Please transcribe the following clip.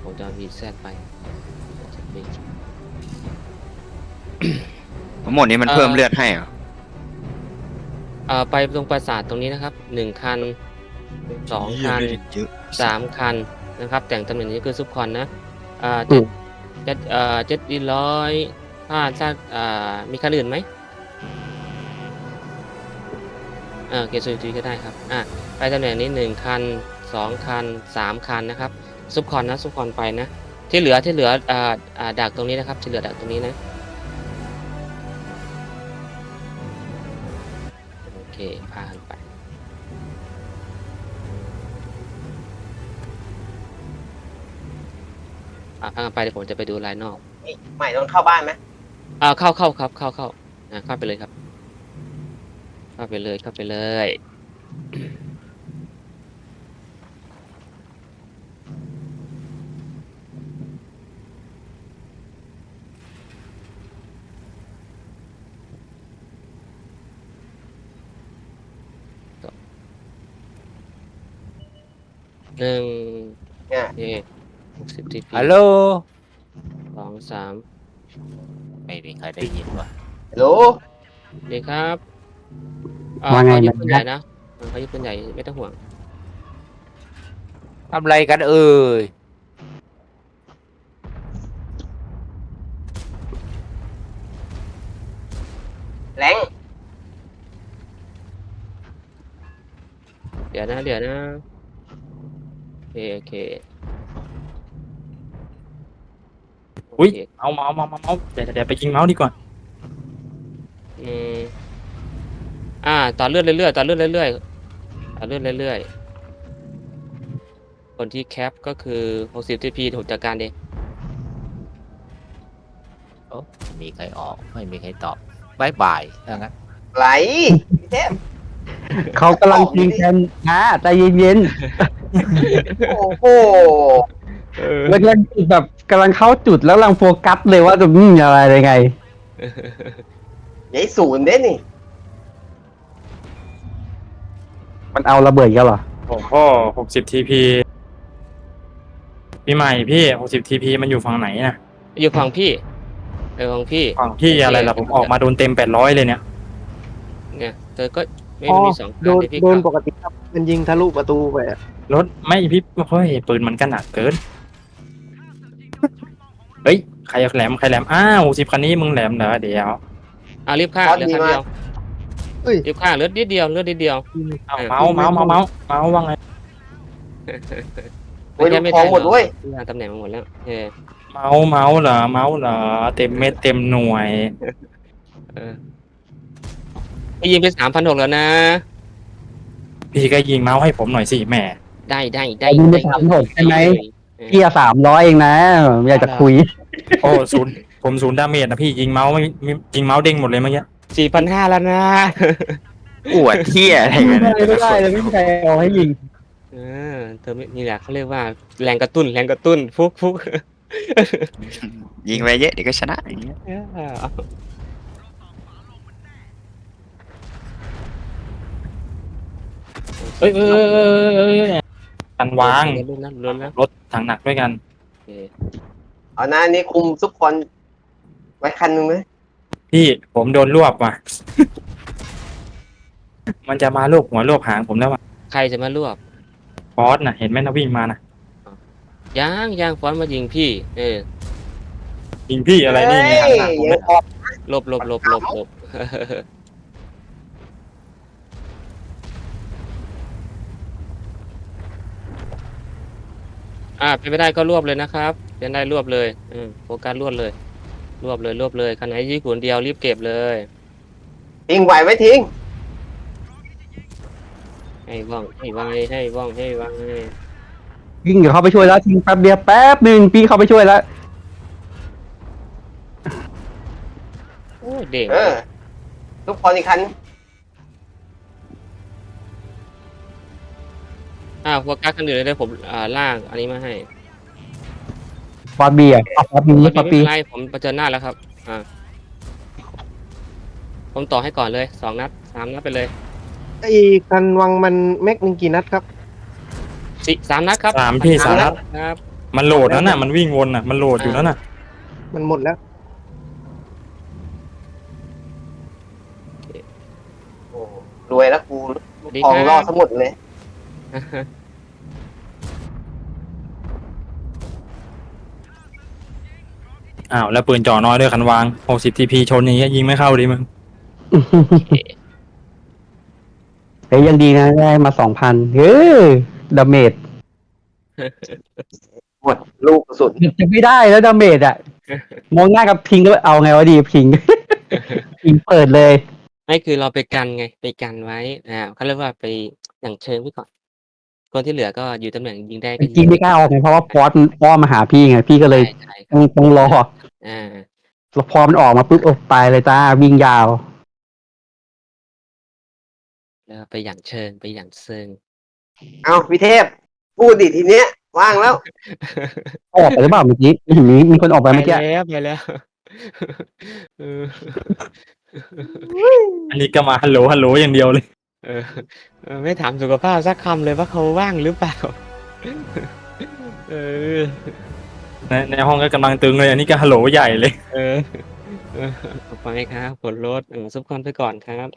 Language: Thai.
ผมจะวีแซดไปทั้งหมดนี้มันเพิ่มเลือดให้เหรอไปตรงปราสาทตรงนี้นะครับ1 คัน2 คัน3 คันนะครับแต่งตำแหน่งนี้คือซุปคอนนะเจ็ดอีร้อยถ้ามีคันอื่นไหมเกรดสุดก็ได้ครับไปตำแหน่งนี้1 คัน2 คัน3 คันนะครับซุปคอนนะซุปคอนไปนะที่เหลือดักตรงนี้นะครับที่เหลือดักตรงนี้นะโอเคพาไปพากันไปเดี๋ยวผมจะไปดูรายนอกใหม่โดนเข้าบ้านไหมเข้าครับเข้าเข้าไปเลยครับเข้าไปเลย160 TP ฮัลโหล 2 3 ไม่มีใครได้ยินวะฮัลโหลดีครับว่าไงเขายึดนะปืนใหญ่นะเขายึดปืนใหญ่ไม่ต้องห่วงทำไรกันเอ่ยแรงเดี๋ยวนะโอเคอุ้ยโเคเมาส์เดี๋ยวไปยิงเมาส์ดีกว่าอืมต่อเลือดเรื่อยคนที่แคปก็คือ60 TP ถูกจัดการเองโอ้ไม่มีใครออกไม่มีใครตอบบายบายถ้างั้นไหลพี่เทพเขากำลังยิงกันนะใจเย็นโอ้โหๆแล้วแบบกำลังเข้าจุดแล้วกำลังโฟกัสเลยว่าจะอะไรยังไงใหญ่ศูนย์เด้นี่มันเอาระเบิดกันเหรอโอ้โห60 TP พี่ใหม่พี่60 TP มันอยู่ฝั่งไหนน่ะอยู่ฝั่งพี่ฝั่งพี่ฝั่งพี่อะไรล่ะผมออกมาโดนเต็ม800เลยเนี่ยเนี่ยเธอก็ไม่อ๋อมี2 โดคันนที่พี่โดนปเข้ากติครับมันยิงทะลุประตูไปอะรถไม่พี่เฮ้ยปืนมันก็หนักเกิน เฮ้ยใครแหลม60 คันนี้มึงแหลมเหรอเดี๋ยวรีบฆ่าเหลือคันเดียวเอ้ยรีบฆ่าเหลือนิดเดียวเอาเมาส์ว่าไงโอ้ยลูกทองหมดเว้ยตำแหน่งมาหมดแล้วเมาส์เหรอเต็มเม็ดเต็มหน่วยไปยิงไป3,600แล้วนะพี่ก็ยิงเมาส์ให้ผมหน่อยสิแหม่ได้ยิงไป3,600ใช่ไหม เกียร์300เองนะอยากจะคุยโอ้ผมศูนย์ดาเมจนะพี่ยิงเมาส์ไม่ยิงเมาส์เด้งหมดเลยเมื่อกี้ 4,500แล้วนะอวดเที่ยอะไรกันเนี่ยไม่ได้เลยไม่มีใครเอาให้ยิงเธอนี่แหละเขาเรียกว่าแรงกระตุ้นฟุกยิงไปเยอะเดี๋ยวก็ชนะอย่างเงี้ยเอ้ยกันวางลุ้นนะรถถังหนักด้วยกันเอาหน้านี้คุมซุปคอนไว้คันนึงไหมพี่ผมโดนรวบว่ะ มันจะมารวบหัวรวบหางผมแล้วว่ะใครจะมารวบฟอสน่ะเห็นไหมนะวิ่งมานะย่างฟอนมายิงพี่ยิงพี่อะไรนี่มีหางหนักผมยัเลงยออกหลบเป็นไม่ได้ก็รวบเลยนะครับเป็นได้รวบเลยโฟกัสรวบเลยคันไหนยี่ขุนเดียวรีบเก็บเลยทิ้งไหวไหมทิ้งให้ว่องยิงเดี๋ยวเข้าไปช่วยแล้วทิ้งแป๊บเดียวแป๊บหนึ่งพี่เข้าไปช่วยแล้วโอ้เด้งซุปคอนอีกคันโฟกัสคันอื่นเลยผมล่างอันนี้มาให้ฟอสบีอ่ะฟอสบีไม่ฟอสเป็บีนไรผมเผชิญหน้าแล้วครับผมต่อให้ก่อนเลย2 นัด3 นัดไปเลยไอ้คันวังมันแม็กหนึ่งกี่นัดครับ 3 นัดครับ 3 พี่ 3 นัดครับมันโหลดนั่นน่ะมันวิ่งวนน่ะมันโหลดอยู่นั่นน่ะมันหมดแล้วโอ้รวยแล้วกูลูกทองล่อสมุดเลยอ้าวแล้วปืนจ่อน้อยด้วยคันวาง60 TP ชนอย่างเงี้ยยิงไม่เข้าดิมึงเฮ้ยยังดีนะได้มา2,000เฮ้ยดาเมจหมดลูกกระสุนจะไม่ได้แล้วดาเมจอ่ะ มองหน้ากับพิงก็เอาไงวะดีพิง พิงเปิดเลยไม่คือเราไปกันไงไปกันไว้เขาเรียกว่าไปอย่างเชิงไว้ก่อน คนที่เหลือก็อยู่ตำแหน่งยิงได้ก็จยิริงไม่กล้าออกไงเพราะว่าพอสมันอ้อมมาหาพี่ไงพี่ก็เลยใช่ต้องรออ่าแล้วพอมันออกมาปุ๊บโอ้ตายเลยจ้าวิ่งยาวแล้วไปอย่างเชิงไปอย่างเซิงเอาพี่เทพ พูดดิทีเนี้ย ว่างแล้วออกไปหรือเปล่าเมื่อกี้เห็นมีคนออกไปไปเมื่อกี้แล้วไปแล้วเอออันนี้ก็มาฮัลโหลฮัลโหลอย่างเดียวเลยเออไม่ถามสุขภาพสักคำเลยว่าเขาว่างหรือเปล่า เออในห้องก็กำลังตึงเลยอันนี้ก็ฮัลโหลใหญ่เลยเออ ไปครับผลลดซุปคอนไปก่อนครับ